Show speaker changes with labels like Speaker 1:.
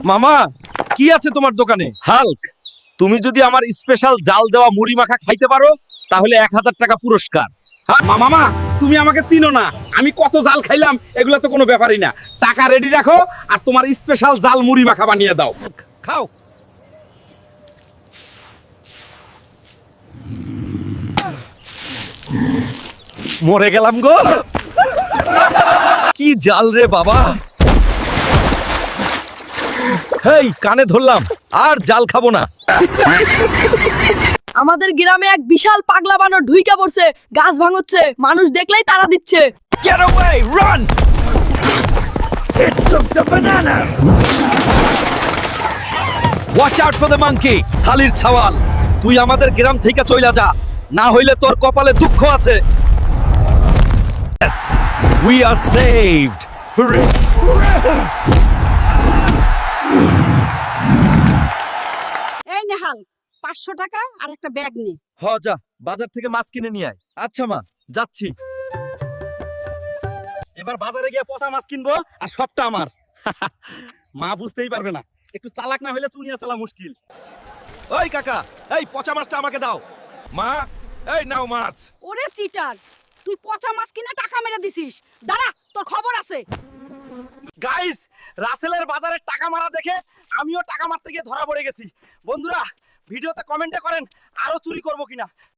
Speaker 1: মামা কি আছে তোমার দোকানে? হাল্ক, তুমি যদি আমার স্পেশাল জাল দেওয়া মুড়ি মাখা খাইতে পারো তাহলে 1000 টাকা পুরস্কার।
Speaker 2: মামা তুমি আমাকে চিনো না, আমি কত জাল খাইলাম এগুলা তো কোনো ব্যাপারই না। টাকা রেডি রাখো আর তোমার স্পেশাল জাল মুড়ি মাখা বানিয়ে দাও।
Speaker 1: খাও। মরে গেলাম গো। কি জাল রে বাবা। হেই, কানে ধরলাম, আর জাল খাবো না।
Speaker 3: আমাদের গ্রামে এক বিশাল পাগলা বানর ঢুইকা পড়ছে, গাছ ভাঙচ্ছে, মানুষ দেখলেই তাড়া দিচ্ছে।
Speaker 1: Get away, run! It took the bananas. Watch out for the monkey. সালির ছাওয়াল, তুই আমাদের গ্রাম থেকে চইলা যা, না হইলে তোর কপালে দুঃখ আছে। Yes, we are saved. Hooray!
Speaker 3: এই নেহাল, 500 টাকা আর একটা ব্যাগ নে।
Speaker 1: হ যা, বাজার থেকে মাছ কিনে নিয়ে আয়। আচ্ছা মা, যাচ্ছি। এবার বাজারে গিয়ে পচা মাছ কিনবো আর সবটা আমার। মা বুঝতেই পারবে না, একটু চালাক না হলে চুনিয়া চলা মুশকিল। ওই কাকা, এই পচা মাছটা আমাকে দাও। মা, এই নাও মাছ।
Speaker 3: ওরে চিটার, তুই পচা মাছ কিনে টাকা মেরে দিছিস। দাঁড়া, তোর খবর আছে।
Speaker 1: গাইস, রাসেলের বাজারে টাকা মারা দেখে আমিও টাকা মারতে গিয়ে ধরা পড়ে গেছি। বন্ধুরা, ভিডিওতে কমেন্টে করেন আরো চুরি করব কিনা।